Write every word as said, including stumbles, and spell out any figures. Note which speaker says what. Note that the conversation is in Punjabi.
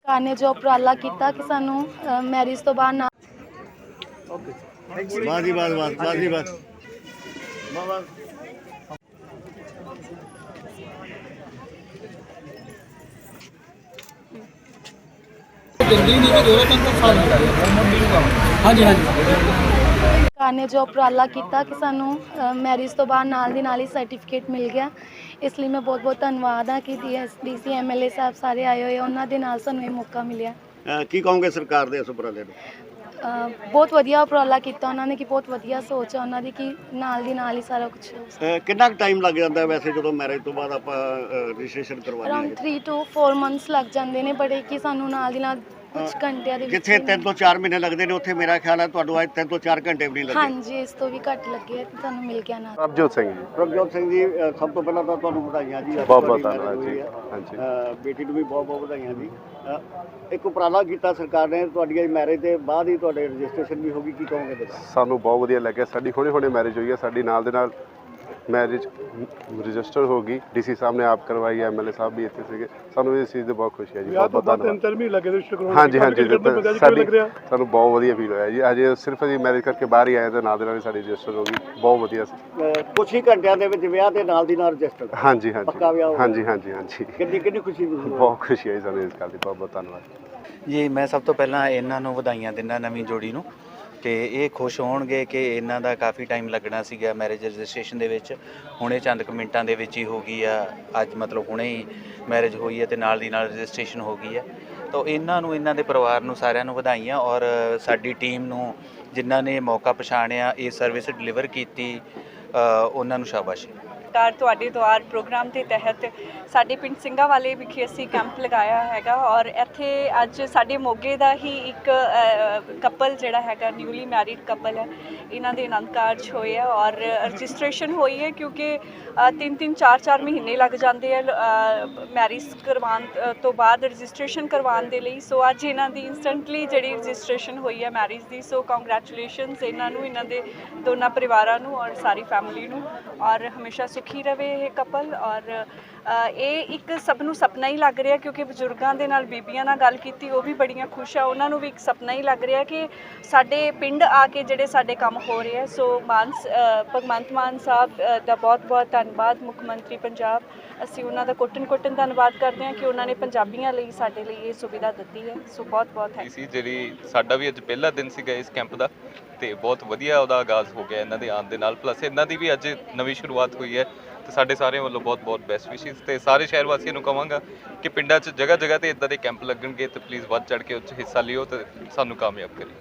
Speaker 1: ਸਰਕਾਰ ਨੇ ਜੋ ਉਪਰਾਲਾ ਕੀਤਾ ਕਿ ਸਾਨੂੰ ਮੈਰਿਜ ਤੋਂ ਬਾਅਦ ਨਾ
Speaker 2: ਵਾਹ ਜੀ ਵਾਹ ਵਾਹ ਵਾਹ ਜੀ ਵਾਹ ਵਾਹ ਵਾਹ
Speaker 3: ਹਾਂਜੀ ਹਾਂਜੀ
Speaker 1: ਸਰਕਾਰ ਨੇ ਜੋ ਉਪਰਾਲਾ ਕੀਤਾ ਕਿ ਸਾਨੂੰ ਮੈਰਿਜ ਤੋਂ ਬਾਅਦ ਨਾਲ ਦੀ ਨਾਲ ਹੀ ਸਰਟੀਫਿਕੇਟ ਮਿਲ ਗਿਆ। ਇਸ ਲਈ ਮੈਂ ਬਹੁਤ ਬਹੁਤ ਧੰਨਵਾਦ ਹਾਂ ਕਿ D S D C M L A ਸਾਹਿਬ ਸਾਰੇ ਆਏ ਹੋਏ, ਉਹਨਾਂ ਦੇ ਨਾਲ ਸਾਨੂੰ ਇਹ ਮੌਕਾ ਮਿਲਿਆ।
Speaker 2: ਅਹ ਕੀ ਕਹੋਗੇ ਸਰਕਾਰ ਦੇ ਇਸ ਉਪਰਾਲੇ ਨੂੰ?
Speaker 1: ਅ, ਬਹੁਤ ਵਧੀਆ ਉਪਰਾਲਾ ਕੀਤਾ ਉਹਨਾਂ ਨੇ ਕਿ ਬਹੁਤ ਵਧੀਆ ਸੋਚ ਹੈ ਉਹਨਾਂ ਦੀ ਕਿ ਨਾਲ ਦੀ ਨਾਲ ਹੀ ਸਾਰਾ ਕੁਝ
Speaker 2: ਅਹ ਕਿੰਨਾ ਕੁ ਟਾਈਮ ਲੱਗ ਜਾਂਦਾ ਵੈਸੇ ਜਦੋਂ ਮੈਰਿਜ ਤੋਂ ਬਾਅਦ ਆਪਾਂ ਰਜਿਸਟ੍ਰੇਸ਼ਨ ਕਰਵਾਉਂਦੇ
Speaker 1: ਅਰਾਊਂਡ
Speaker 2: ਹਾਂ?
Speaker 1: ਥ੍ਰੀ ਟੂ ਫੋਰ ਮੰਥਸ ਲੱਗ ਜਾਂਦੇ ਨੇ, ਬੜੇ ਕਿ ਸਾਨੂੰ ਨਾਲ ਦੀ ਨਾਲ ਕੁਝ ਘੰਟਿਆਂ ਦੇ ਵਿੱਚ
Speaker 2: ਜਿੱਥੇ ਤਿੰਨ ਤੋਂ ਚਾਰ ਮਹੀਨੇ ਲੱਗਦੇ ਨੇ ਉੱਥੇ ਮੇਰਾ ਖਿਆਲ ਹੈ ਤੁਹਾਨੂੰ ਅੱਜ ਤਿੰਨ ਤੋਂ ਚਾਰ ਘੰਟੇ ਵੀ ਨਹੀਂ ਲੱਗੇ।
Speaker 1: ਹਾਂਜੀ, ਇਸ ਤੋਂ ਵੀ ਘੱਟ ਲੱਗੇ ਆ, ਤੁਹਾਨੂੰ ਮਿਲ ਗਿਆ ਨਾਲ।
Speaker 4: ਪ੍ਰਭਜੋਤ ਸਿੰਘ ਜੀ।
Speaker 2: ਪ੍ਰਭਜੋਤ ਸਿੰਘ ਜੀ, ਅਹ ਸਭ ਤੋਂ ਪਹਿਲਾਂ ਤਾਂ ਤੁਹਾਨੂੰ ਵਧਾਈਆਂ ਜੀ। ਅੱਜ
Speaker 4: ਬਹੁਤ ਬਹੁਤ
Speaker 2: ਤੁਹਾਡੀ
Speaker 4: ਧੰਨਵਾਦ
Speaker 2: marriage
Speaker 4: ਜੀ।
Speaker 2: ਹੋਈ ਹੈ।
Speaker 4: ਹਾਂਜੀ
Speaker 2: ਅਹ ਬੇਟੀ ਨੂੰ ਵੀ ਬਹੁਤ ਬਹੁਤ ਵਧਾਈਆਂ ਜੀ। ਅਹ ਇੱਕ ਉਪਰਾਲਾ ਕੀਤਾ ਸਰਕਾਰ ਨੇ, ਤੁਹਾਡੀ ਮੈਰਿਜ ਦੇ ਬਾਅਦ ਹੀ ਤੁਹਾਡੇ ਰਜਿਸਟ੍ਰੇਸ਼ਨ ਵੀ ਹੋਗੀ, ਕੀ ਕਹੋਗੇ ਇਹਦੇ ਬਾਰੇ?
Speaker 4: ਸਾਨੂੰ ਬਹੁਤ ਵਧੀਆ ਲੱਗਿਆ। ਸਾਡੀ ਹੁਣੇ ਹੁਣੇ ਮੈਰਿਜ ਹੋਈ ਹੈ, ਸਾਡੀ ਨਾਲ ਦੇ ਨਾਲ ਮੈਰਿਜ ਰਜਿਸਟਰ ਹੋ ਗਈ। ਡੀਸੀ ਸਾਹਿਬ ਨੇ ਆਪ ਕਰਵਾਈ, ਐਮਐਲਏ ਸਾਹਿਬ ਵੀ ਇੱਥੇ ਸੀਗੇ। ਸਾਨੂੰ ਇਸ ਚੀਜ਼ ਦੀ ਬਹੁਤ ਖੁਸ਼ੀ ਹੈ ਜੀ। ਬਹੁਤ ਬਹੁਤ ਧੰਨਵਾਦ।
Speaker 3: ਤਿੰਨ ਮਹੀਨੇ ਲੱਗੇ ਰਜਿਸਟਰ ਕਰਾਉਣ।
Speaker 4: ਹਾਂਜੀ ਹਾਂਜੀ ਸਾਡੀ ਸਾਨੂੰ ਬਹੁਤ ਵਧੀਆ ਫੀਲ ਹੋਇਆ ਜੀ। ਅਜੇ ਸਿਰਫ ਅਸੀਂ ਮੈਰਿਜ ਕਰਕੇ ਬਾਹਰ ਹੀ ਆਏ ਤਾਂ ਨਾਲ ਦੇ ਨਾਲ ਸਾਡੀ ਰਜਿਸਟਰ ਹੋ ਗਈ। ਬਹੁਤ ਵਧੀਆ ਸੀ।
Speaker 2: ਅਹ ਕੁਛ ਹੀ ਘੰਟਿਆਂ ਦੇ ਵਿੱਚ ਵਿਆਹ ਦੇ ਨਾਲ ਦੀ ਨਾਲ ਰਜਿਸਟਰ।
Speaker 4: ਹਾਂਜੀ
Speaker 2: ਪੱਕਾ ਵਿਆਹ ਹੋ
Speaker 4: ਹਾਂਜੀ
Speaker 2: ਗਿਆ।
Speaker 4: ਹਾਂਜੀ ਹਾਂਜੀ ਹਾਂਜੀ
Speaker 2: ਕਿੰਨੀ ਕਿੰਨੀ ਖੁਸ਼ੀ ਦੀ
Speaker 4: ਬਹੁਤ ਖੁਸ਼ੀ ਹੈ ਜੀ ਸਾਨੂੰ ਇਸ ਗੱਲ ਦੀ। ਬਹੁਤ ਬਹੁਤ ਧੰਨਵਾਦ
Speaker 5: ਜੀ। ਮੈਂ ਸਭ ਤੋਂ ਪਹਿਲਾਂ ਇਹਨਾਂ ਨੂੰ ਵਧਾਈਆਂ ਦਿੰਦਾ, ਨਵੀਂ ਜੋੜੀ ਨੂੰ, ਕਿ ਇਹ ਖੁਸ਼ ਹੋਣਗੇ ਕਿ ਇਹਨਾਂ ਦਾ ਕਾਫੀ ਟਾਈਮ ਲੱਗਣਾ ਸੀਗਾ ਮੈਰਿਜ ਰਜਿਸਟ੍ਰੇਸ਼ਨ ਦੇ ਵਿੱਚ। ਹੁਣੇ ਚੰਦ ਕੁ ਮਿੰਟਾਂ ਦੇ ਵਿੱਚ ਹੀ ਹੋ ਗਈ ਆ। ਅੱਜ ਮਤਲਬ ਹੁਣੇ ਹੀ ਮੈਰਿਜ ਹੋਈ ਹੈ ਅਤੇ ਨਾਲ ਦੀ ਨਾਲ ਰਜਿਸਟ੍ਰੇਸ਼ਨ ਹੋ ਗਈ ਹੈ। ਤਾਂ ਇਹਨਾਂ ਨੂੰ, ਇਹਨਾਂ ਦੇ ਪਰਿਵਾਰ ਨੂੰ, ਸਾਰਿਆਂ ਨੂੰ ਵਧਾਈਆਂ। ਔਰ ਸਾਡੀ ਟੀਮ ਨੂੰ ਜਿਨ੍ਹਾਂ ਨੇ ਮੌਕਾ ਪਛਾਣਿਆ, ਇਹ ਸਰਵਿਸ ਡਿਲੀਵਰ ਕੀਤੀ, ਉਹਨਾਂ ਨੂੰ ਸ਼ਾਬਾਸ਼।
Speaker 6: ਸਰਕਾਰ ਤੁਹਾਡੇ ਦੁਆਰ ਪ੍ਰੋਗਰਾਮ ਦੇ ਤਹਿਤ ਸਾਡੇ ਪਿੰਡ ਸਿੰਘਾਂ ਵਾਲੇ ਵਿਖੇ ਅਸੀਂ ਕੈਂਪ ਲਗਾਇਆ ਹੈਗਾ। ਔਰ ਇੱਥੇ ਅੱਜ ਸਾਡੇ ਮੋਗੇ ਦਾ ਹੀ ਇੱਕ ਕਪਲ ਜਿਹੜਾ ਹੈਗਾ, ਨਿਊਲੀ ਮੈਰਿਡ ਕਪਲ ਹੈ, ਇਹਨਾਂ ਦੇ ਆਨੰਦ ਕਾਰਜ ਹੋਏ ਆ ਔਰ ਰਜਿਸਟ੍ਰੇਸ਼ਨ ਹੋਈ ਹੈ। ਕਿਉਂਕਿ ਤਿੰਨ ਤਿੰਨ ਚਾਰ ਚਾਰ ਮਹੀਨੇ ਲੱਗ ਜਾਂਦੇ ਆ ਮੈਰਿਜ ਕਰਵਾਉਣ ਤੋਂ ਬਾਅਦ ਰਜਿਸਟ੍ਰੇਸ਼ਨ ਕਰਵਾਉਣ ਦੇ ਲਈ। ਸੋ ਅੱਜ ਇਹਨਾਂ ਦੀ ਇੰਸਟੈਂਟਲੀ ਜਿਹੜੀ ਰਜਿਸਟ੍ਰੇਸ਼ਨ ਹੋਈ ਹੈ ਮੈਰਿਜ ਦੀ। ਸੋ ਕੰਗ੍ਰੈਚੁਲੇਸ਼ਨਸ ਇਹਨਾਂ ਨੂੰ, ਇਹਨਾਂ ਦੇ ਦੋਨਾਂ ਪਰਿਵਾਰਾਂ ਨੂੰ ਔਰ ਸਾਰੀ ਫੈਮਿਲੀ ਨੂੰ। ਔਰ ਹਮੇਸ਼ਾ ਸੁਖੀ ਰਵੇ ਇਹ ਕਪਲ। ਔਰ ਇਹ ਇੱਕ ਸਭ ਨੂੰ ਸੁਪਨਾ ਹੀ ਲੱਗ ਰਿਹਾ, ਕਿਉਂਕਿ ਬਜ਼ੁਰਗਾਂ ਦੇ ਨਾਲ ਬੀਬੀਆਂ ਨਾਲ ਗੱਲ ਕੀਤੀ, ਉਹ ਵੀ ਬੜੀਆਂ ਖੁਸ਼ ਆ। ਉਹਨਾਂ ਨੂੰ ਵੀ ਇੱਕ ਸੁਪਨਾ ਹੀ ਲੱਗ ਰਿਹਾ ਕਿ ਸਾਡੇ ਪਿੰਡ ਆ ਕੇ ਜਿਹੜੇ ਸਾਡੇ ਕੰਮ ਹੋ ਰਹੇ ਆ। ਸੋ ਮਾਨ ਭਗਵੰਤ ਮਾਨ ਸਾਹਿਬ ਦਾ ਬਹੁਤ ਬਹੁਤ ਧੰਨਵਾਦ, ਮੁੱਖ ਮੰਤਰੀ ਪੰਜਾਬ। ਅਸੀਂ ਉਹਨਾਂ ਦਾ ਕੋਟਨ ਕੋਟਨ ਧੰਨਵਾਦ ਕਰਦੇ ਹਾਂ ਕਿ ਉਹਨਾਂ ਨੇ ਪੰਜਾਬੀਆਂ ਲਈ, ਸਾਡੇ ਲਈ ਇਹ ਸੁਵਿਧਾ ਦਿੱਤੀ ਹੈ। ਸੋ ਬਹੁਤ ਬਹੁਤ ਥੈਂਕ
Speaker 7: ਸੀ। ਜਿਹੜੀ ਸਾਡਾ ਵੀ ਅੱਜ ਪਹਿਲਾ ਦਿਨ ਸੀਗਾ ਇਸ ਕੈਂਪ ਦਾ, ਤੇ ਬਹੁਤ ਵਧੀਆ ਉਹਦਾ ਆਗਾਜ਼ ਹੋ ਗਿਆ ਇਹਨਾਂ ਦੇ ਆਉਣ ਦੇ ਨਾਲ। ਪਲੱਸ ਇਹਨਾਂ ਦੀ ਵੀ ਅੱਜ ਨਵੀਂ ਸ਼ੁਰੂਆਤ ਹੋਈ ਹੈ, ਤੇ ਸਾਡੇ ਸਾਰਿਆਂ ਵੱਲੋਂ ਬਹੁਤ ਬਹੁਤ ਬੈਸਟ ਵਿਸ਼ੇਸ। ਤੇ ਸਾਰੇ ਸ਼ਹਿਰ ਵਾਸੀਆਂ ਨੂੰ ਕਹਾਂਗਾ ਕਿ ਪਿੰਡਾਂ 'ਚ ਜਗ੍ਹਾ ਜਗ੍ਹਾ ਤੇ ਇਦਾਂ ਦੇ ਕੈਂਪ ਲੱਗਣਗੇ, ਤੇ ਪਲੀਜ਼ ਵੱਧ ਚੜ੍ਹ ਕੇ ਉਹ 'ਚ ਹਿੱਸਾ ਲਿਓ ਤੇ ਸਾਨੂੰ ਕਾਮਯਾਬ ਕਰੀਏ।